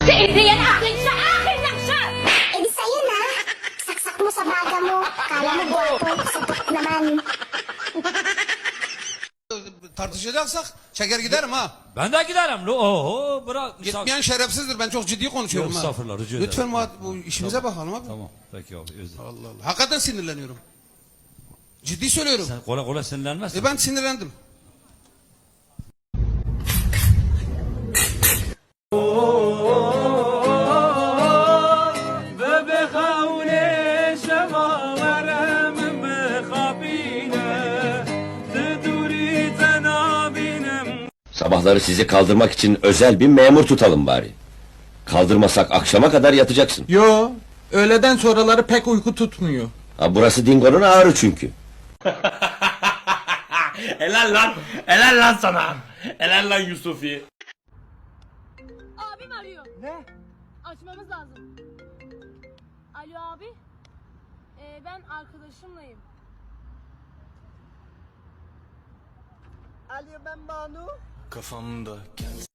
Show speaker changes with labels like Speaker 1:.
Speaker 1: Hindi yan akin siya! Akin lang siya!
Speaker 2: Eh di sa'yo na. Saksak mo sa baga mo. Kala mo gwapo. Sapat naman.
Speaker 3: Tartışacaksak çeker giderim ha.
Speaker 4: Ben de giderim. Oho bırak.
Speaker 3: Gitmeyen şerefsizdir. Ben çok ciddi konuşuyorum
Speaker 4: Yok,
Speaker 3: ha.
Speaker 4: estağfurullah, rica ederim.
Speaker 3: Lütfen bu işimize bakalım abi.
Speaker 4: Tamam peki abi özür dilerim.
Speaker 3: Allah Allah. Hakikaten sinirleniyorum. Ciddi söylüyorum.
Speaker 4: Sen kolay kolay sinirlenmezsin.
Speaker 3: Ben sinirlendim.
Speaker 5: Sabahları sizi kaldırmak için özel bir memur tutalım bari. Kaldırmasak akşama kadar yatacaksın.
Speaker 6: Yo, öğleden sonraları pek uyku tutmuyor.
Speaker 5: Ha, burası Dingo'nun ağrı çünkü.
Speaker 7: Helal lan. Helal lan sana. Helal lan Yusufi.
Speaker 1: Abim arıyor. Ne? Açmamız lazım. Alo abi. Ben arkadaşımlayım.
Speaker 6: Alo ben Banu.
Speaker 8: Kafamda